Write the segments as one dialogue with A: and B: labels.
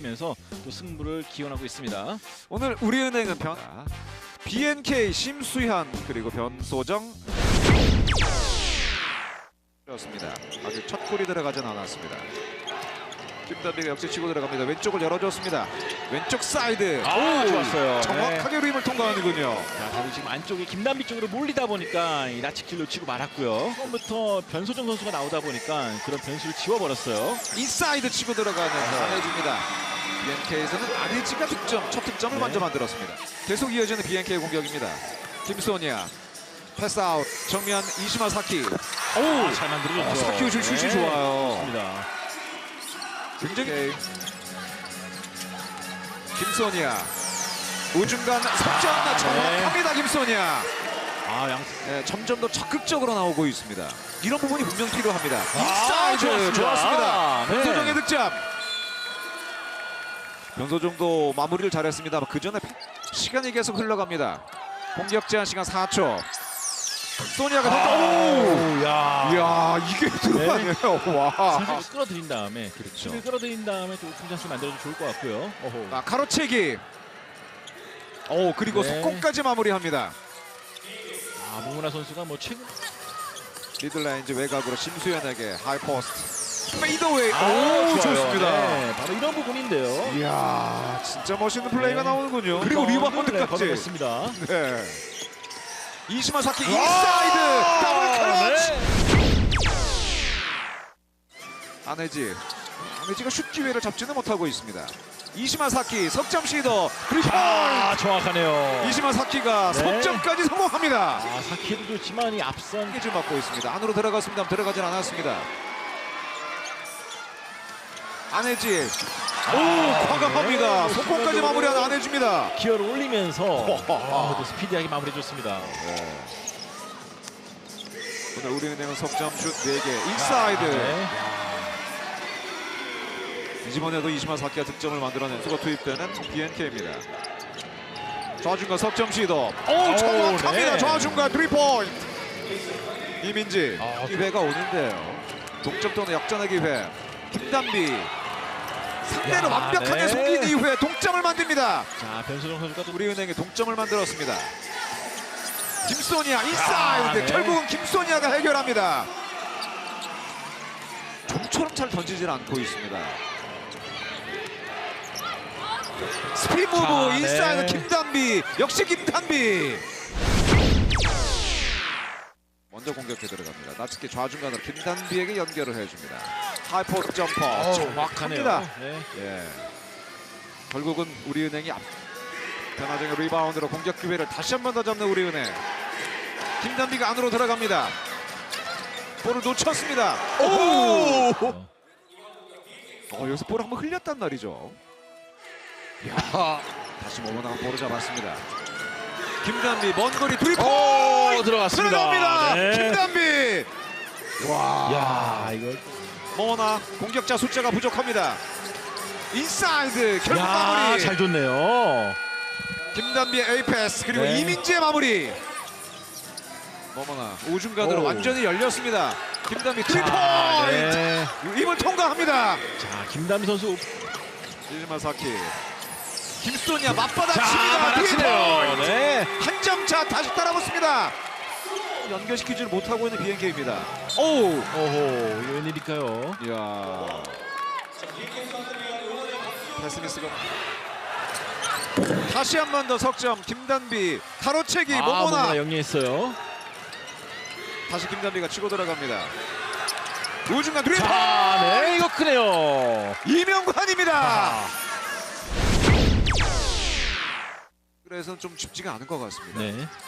A: 펼치면서 또 승부를 기원하고 있습니다.
B: 오늘 우리은행은 BNK 심수현 그리고 변소정 그렇습니다. 아직 첫 골이 들어가진 않았습니다. 김단비가 역시 치고 들어갑니다. 왼쪽을 열어줬습니다. 왼쪽 사이드.
A: 오, 좋았어요.
B: 정확하게 루임을 통과하는군요.
A: 자, 다들 지금 안쪽에 김단비 쪽으로 몰리다 보니까 이 라치킬 놓치고 말았고요. 처음부터 변소정 선수가 나오다 보니까 그런 변수를 지워버렸어요.
B: 인사이드 치고 들어가는 안해줍니다. BNK에서는 안해지가 첫 득점을 먼저 만들었습니다. 계속 이어지는 BNK 공격입니다. 김소니아 패스아웃 정면 이시마 사키.
A: 오, 잘 만들어줬죠.
B: 사키 슛이 좋아요.
A: 좋습니다.
B: 굉장히 김소니아 우중간 석점 정확합니다. 김소니아 점점 더 적극적으로 나오고 있습니다. 이런 부분이 분명 필요합니다. 인사이드 좋았습니다. 변소정의 득점. 변소정도 마무리를 잘했습니다. 그 전에 시간이 계속 흘러갑니다. 공격 제한 시간 4초. 소니아가 이야 이게 들어가네요. 와.
A: 사실 끌어들인 다음에 그렇죠. 끌어들인 다음에 또 오픈 찬스 만들어도 좋을 것 같고요.
B: 가로채기. 그리고 속공까지 마무리합니다.
A: 모모나 선수가 뭐 최근
B: 미들라인즈 외곽으로 심수현에게 하이포스트. 페이더웨이. 좋습니다.
A: 바로 이런 부분인데요.
B: 이야 진짜 멋있는 플레이가 나오는군요. 그리고 리바운드까지
A: 걷어냈습니다.
B: 네. 이시마 사키 인사이드 더블 클러치. 안해지가 슛 기회를 잡지는 못하고 있습니다. 이시마 사키 석점 시도 그리고
A: 정확하네요.
B: 이시마 사키가 석점까지 성공합니다.
A: 사키도 좋지만 이 앞선
B: 깨질 맞고 있습니다. 안으로 들어갔습니다. 들어가진 않았습니다. 안해지 과감합니다. 속공까지 마무리한 안해지입니다.
A: 기어를 올리면서 또 스피디하게 마무리해줬습니다.
B: 오늘 우리은행은 석점 슛 4개 인사이드. 이번에도 이시마 사키가 득점을 만들어낸 수가 투입되는 BNK입니다. 좌중간 석점 시도 정확합니다. 좌중간 3포인트. 이민지 기회가 오는데요. 동점 또는 역전의 기회. 김단비 상대를 완벽하게 속인 이후에 동점을 만듭니다.
A: 자, 변소정 선수가 또
B: 우리은행이 동점을 만들었습니다. 김소니아 인사이드. 결국은 김소니아가 해결합니다. 좀처럼 잘 던지질 않고 있습니다. 스피드 무브 인사이드 김단비. 역시 김단비. 먼저 공격해 들어갑니다. 나츠키 좌중간으로 김단비에게 연결을 해줍니다. 하이포스트 점퍼 정확합니다. 결국은 우리은행이 변화정의 리바운드로 공격 기회를 다시 한 번 더 잡는 우리은행. 김단비가 안으로 들어갑니다. 볼을 놓쳤습니다. 여기서 볼을 한번 흘렸단 말이죠. 다시 모모나가 볼을 잡았습니다. 김단비 먼 거리 3포인트
A: 들어갔습니다.
B: 들어갑니다. 김단비.
A: 이거
B: 모모나 공격자 숫자가 부족합니다. 인사이드 결국 마무리.
A: 잘 줬네요.
B: 김단비의 에이패스 그리고 이민지의 마무리. 모모나 우중간으로 완전히 열렸습니다. 김단비 3포인트. 입을 통과합니다.
A: 자, 김단비 선수
B: 이시마 사키. 김소니아 맞바닥 칩니다. 한 점 차 다시 따라붙습니다. 연결시키지를 못하고 있는 BNK입니다.
A: 이거 웬일일까요?
B: 이야. 패스미스가 다시 한 번 더 석점. 김단비 가로채기 모모나
A: 영리했어요.
B: 다시 김단비가 치고 들어갑니다. 우중간 3포인트.
A: 이거 크네요.
B: 이명관입니다. 그래서 좀 쉽지가 않은 것 같습니다.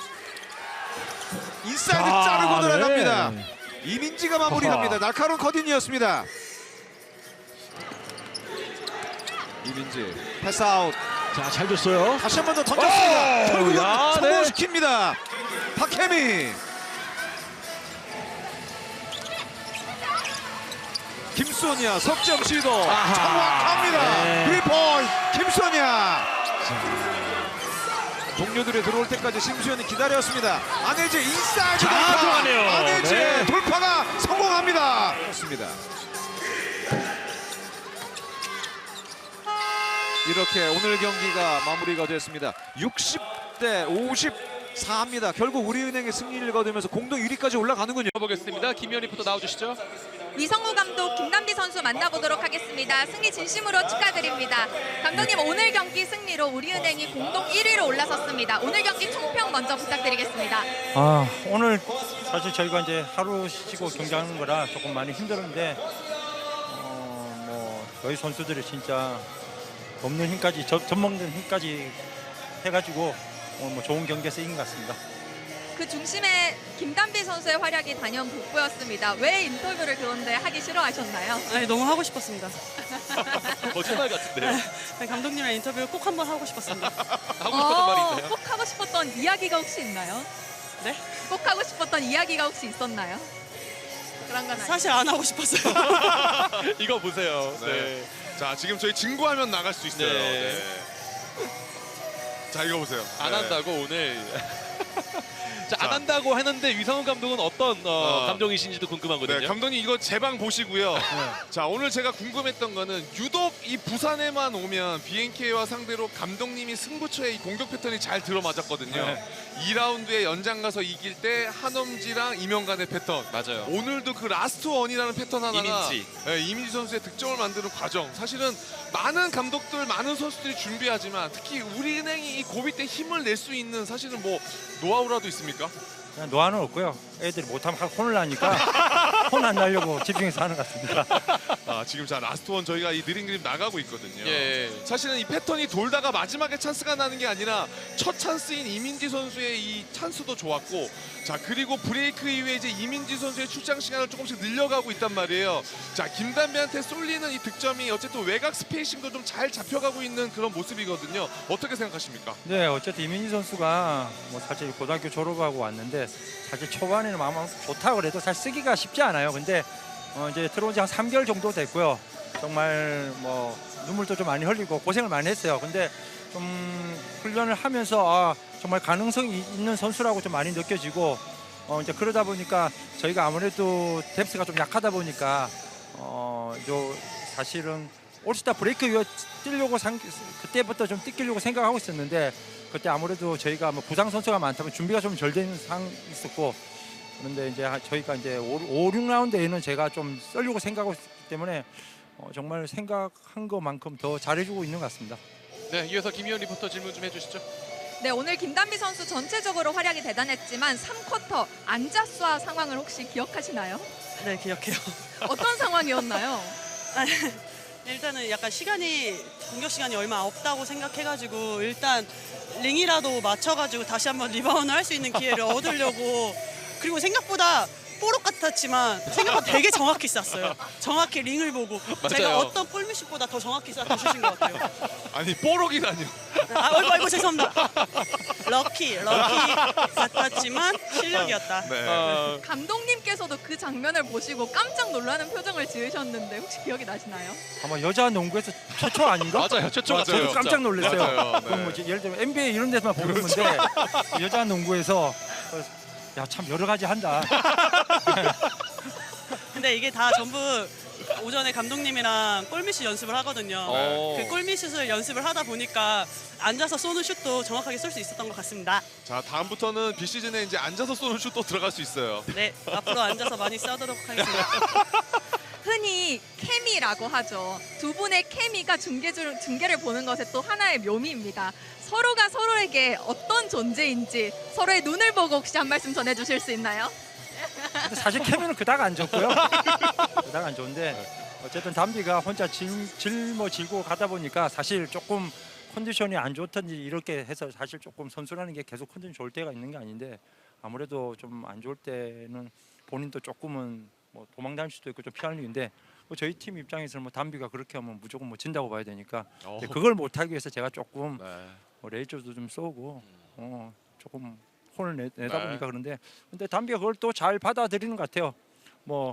B: 인사이드 자르고 들어갑니다. 이민지가 마무리합니다. 날카로운 커딩이었습니다. 이민지 패스아웃.
A: 잘 줬어요.
B: 다시 한 번 더 던졌습니다. 결국은 성공시킵니다. 박혜미. 김소니아 석점 시도 정확합니다. 3포인트 김소니아. 동료들이 들어올 때까지 심수현이 기다렸습니다. 안해지 인사이드 돌파. 안해지 돌파가 성공합니다. 그렇습니다. 이렇게 오늘 경기가 마무리가 됐습니다. 60대 54입니다. 결국 우리은행이 승리를 거두면서 공동 1위까지 올라가는군요.
C: 보겠습니다. 김희연 리포터 나와주시죠.
D: 위성우 감독, 김단비 선수 만나보도록 하겠습니다. 승리 진심으로 축하드립니다. 감독님, 오늘 경기 승리로 우리은행이 공동 1위로 올라섰습니다. 오늘 경기 총평 먼저 부탁드리겠습니다.
E: 오늘 사실 저희가 이제 하루 쉬고 경기하는 거라 조금 많이 힘들었는데 뭐 저희 선수들이 진짜 없는 힘까지 젖먹는 힘까지 해가지고 뭐 좋은 경기에서 이긴 것 같습니다.
D: 그 중심에 김단비 선수의 활약이 단연 돋보였습니다. 왜 인터뷰를 그런데 하기 싫어하셨나요?
F: 아니, 너무 하고 싶었습니다.
C: 거짓말 같은데요.
F: 네, 감독님이랑 인터뷰 꼭 한번 하고 싶었습니다.
C: 하고 싶었던 말이 있나요?
D: 꼭 하고 싶었던 이야기가 혹시 있나요?
F: 네?
D: 꼭 하고 싶었던 이야기가 혹시 있었나요? 그런 건 아니에요.
F: 사실 안 하고 싶었어요.
C: 이거 보세요. 네.
G: 자, 지금 저희 진구하면 나갈 수 있어요.
C: 네.
G: 네. 자, 이거 보세요.
C: 안
G: 네.
C: 한다고 오늘. 자, 안 한다고 했는데 위성훈 감독은 어떤 감정이신지도 궁금하거든요.
G: 네, 감독님 이거 제 방 보시고요. 자, 오늘 제가 궁금했던 거는 유독 이 부산에만 오면 BNK와 상대로 감독님이 승부처의 이 공격 패턴이 잘 들어맞았거든요. 2라운드에 연장 가서 이길 때 한엄지랑 이명간의 패턴.
C: 맞아요.
G: 오늘도 그 라스트 원이라는 패턴 하나가
C: 이민지.
G: 네, 이민지 선수의 득점을 만드는 과정. 사실은 많은 감독들, 많은 선수들이 준비하지만 특히 우리은행이 이 고비 때 힘을 낼 수 있는 사실은 뭐 노하우라도 있습니까?
E: 그냥 노하는 없고요. 애들이 못하면 혼을 나니까 혼 안 나려고 집중해서 하는 것 같습니다.
G: 아, 지금 자 라스트 원 저희가 이 느린 그림 나가고 있거든요.
C: 예.
G: 사실은 이 패턴이 돌다가 마지막에 찬스가 나는 게 아니라 첫 찬스인 이민지 선수의 이 찬스도 좋았고, 자 그리고 브레이크 이후에 이제 이민지 선수의 출장 시간을 조금씩 늘려가고 있단 말이에요. 자 김단비한테 쏠리는 이 득점이 어쨌든 외곽 스페이싱도 좀 잘 잡혀가고 있는 그런 모습이거든요. 어떻게 생각하십니까?
E: 네, 어쨌든 이민희 선수가 뭐 사실 고등학교 졸업하고 왔는데 사실 초반에는 아마 좋다 그래도 사실 쓰기가 쉽지 않아요. 근데 이제 들어온 지 한 3개월 정도 됐고요. 정말 뭐 눈물도 좀 많이 흘리고 고생을 많이 했어요. 근데 좀 훈련을 하면서 정말 가능성이 있는 선수라고 좀 많이 느껴지고 이제 그러다 보니까 저희가 아무래도 뎁스가 좀 약하다 보니까 사실은 올스타 브레이크 이후 뛰려고 그때부터 좀 뛰려고 생각하고 있었는데 그때 아무래도 저희가 뭐 부상 선수가 많다면 준비가 좀 덜 되는 상황이 있었고, 그런데 이제 저희가 이제 5, 6라운드에는 제가 좀 썰려고 생각하고 있기 때문에 정말 생각한 것만큼 더 잘해주고 있는 것 같습니다.
C: 네, 이어서 김희연 리포터 질문 좀 해주시죠.
D: 네, 오늘 김단비 선수 전체적으로 활약이 대단했지만 3쿼터 안자수와 상황을 혹시 기억하시나요?
F: 네, 기억해요.
D: 어떤 상황이었나요?
F: 일단은 약간 공격 시간이 얼마 없다고 생각해가지고 일단 링이라도 맞춰가지고 다시 한번 리바운드 할 수 있는 기회를 얻으려고, 그리고 생각보다 뽀록 같았지만 생각보다 되게 정확히 쐈어요. 정확히 링을 보고 제가 어떤 골밑슛보다 더 정확히 쐈던 슛인 것 같아요.
G: 아니 뽀록이라뇨.
F: 아이고 죄송합니다. 럭키 같았지만 실력이었다.
G: 네.
D: 감독님께서도 그 장면을 보시고 깜짝 놀라는 표정을 지으셨는데 혹시 기억이 나시나요?
E: 아마 여자 농구에서 최초 아닌가?
C: 맞아요. 최초
G: 맞아요.
E: 저도 깜짝 놀랐어요.
G: 맞아요. 네.
E: 그럼 뭐 예를 들면 NBA 이런 데서만 보는 건데 여자 농구에서 야, 참 여러 가지 한다.
F: 근데 이게 다 전부 오전에 감독님이랑 골밑슛 연습을 하거든요. 그 골밑슛을 연습을 하다 보니까 앉아서 쏘는 슛도 정확하게 쏠 수 있었던 것 같습니다.
G: 자 다음부터는 비시즌에 이제 앉아서 쏘는 슛도 들어갈 수 있어요.
F: 네, 앞으로 앉아서 많이 쏘도록 하겠습니다.
D: 흔히 케미라고 하죠. 두 분의 케미가 중계를 보는 것의 또 하나의 묘미입니다. 서로가 서로에게 어떤 존재인지 서로의 눈을 보고 혹시 한 말씀 전해주실 수 있나요?
E: 근데 사실 케미는 그닥 안 좋고요. 그닥 안 좋은데 어쨌든 담비가 혼자 질고 가다 보니까 사실 조금 컨디션이 안 좋든지 이렇게 해서 사실 조금 선수라는 게 계속 컨디션 좋을 때가 있는 게 아닌데 아무래도 좀 안 좋을 때는 본인도 조금은 뭐 도망다닐 수도 있고 좀 피하는 일인데 저희 팀 입장에서는 뭐 담비가 그렇게 하면 무조건 뭐 진다고 봐야 되니까 그걸 못하기 위해서 제가 조금 레이저도 좀 쏘고 조금 혼을 내다 보니까 그런데 근데 담비가 그걸 또 잘 받아들이는 것 같아요. 뭐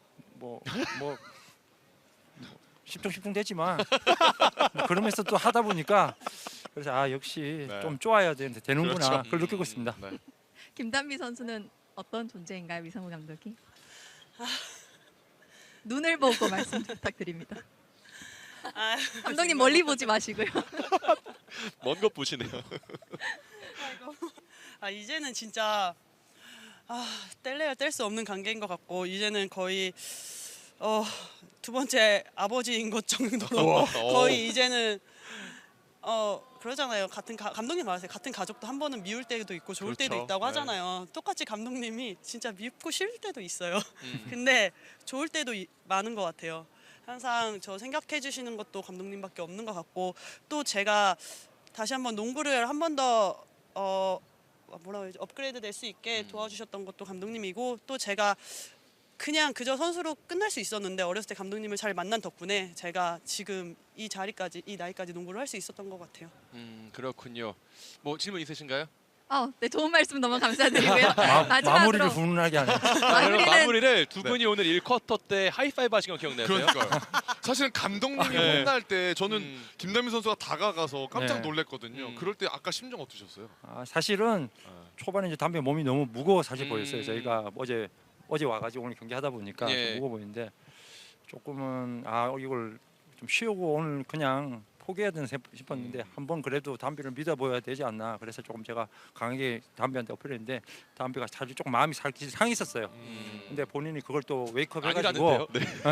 E: 십중십중 되지만 뭐 그러면서 또 하다 보니까 그래서 역시 좀 좋아야 되는구나.
G: 그렇죠.
E: 그걸 느끼고 있습니다.
G: 네.
D: 김단비 선수는 어떤 존재인가요, 위성우 감독이? 눈을 보고 말씀 부탁드립니다.
F: 아,
D: 감독님 멀리 보지 마시고요.
C: 먼 것 보시네요.
F: 아이고. 아 이제는 진짜 뗄래야 뗄 수 없는 관계인 것 같고 이제는 거의 두 번째 아버지인 것 정도로 거의 이제는 그러잖아요. 감독님 말하세요. 같은 가족도 한 번은 미울 때도 있고 좋을 때도
G: 그렇죠.
F: 있다고
G: 네.
F: 하잖아요. 똑같이 감독님이 진짜 밉고 싫을 때도 있어요. 근데 좋을 때도 많은 것 같아요. 항상 저 생각해 주시는 것도 감독님밖에 없는 것 같고 또 제가 다시 한번 농구를 한 번 더 뭐라고 해야지 업그레이드 될 수 있게 도와주셨던 것도 감독님이고 또 제가 그냥 그저 선수로 끝날 수 있었는데 어렸을 때 감독님을 잘 만난 덕분에 제가 지금 이 자리까지 이 나이까지 농구를 할 수 있었던 것 같아요.
C: 그렇군요. 뭐 질문 있으신가요?
D: 네, 좋은 말씀 너무 감사드리고요.
E: 마무리를
D: 마지막으로
E: 훈훈하게 하네.
C: 그럼 마무리를 두 분이 오늘 1쿼터 때 하이파이브 하신 거 기억나세요?
G: 그러니까요. 사실은 감독님이
C: 네.
G: 혼날 때 저는 김남민 선수가 다가가서 깜짝
E: 네.
G: 놀랐거든요.
C: 음.
G: 그럴 때 아까 심정 어떠셨어요?
E: 사실은 초반에 이제 담배 몸이 너무 무거워 사실
C: 음.
E: 보였어요. 저희가 어제 와가지고 오늘 경기하다 보니까
C: 예.
E: 좀 무거워 보이는데 조금은 이걸 좀 쉬우고 오늘 그냥 포기해야 되나 싶었는데 한번 그래도 담배를 믿어보여야 되지 않나. 그래서 조금 제가 강하게 담배한테 어필했는데 담배가 사실 조금 마음이 살짝 상했었어요. 근데 본인이 그걸 또 웨이크업 해가지고
C: 아니라는데요.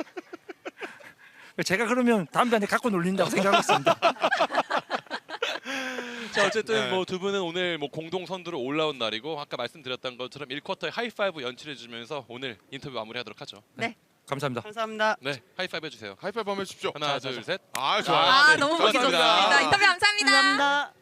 C: 네.
E: 제가 그러면 담배한테 갖고 놀린다고 생각하고 있습니다.
C: 자 어쨌든
G: 네.
C: 뭐 두 분은 오늘 뭐 공동 선두로 올라온 날이고 아까 말씀드렸던 것처럼 1쿼터에 하이파이브 연출해주면서 오늘 인터뷰 마무리하도록 하죠.
E: 감사합니다.
F: 감사합니다.
C: 네, 하이파이브 해주세요.
G: 하이파이브 한번 해주십시오.
C: 하나, 둘, 셋.
G: 좋아요.
D: 너무
C: 고맙습니다.
D: 멋있었습니다. 인터뷰 감사합니다.
F: 감사합니다.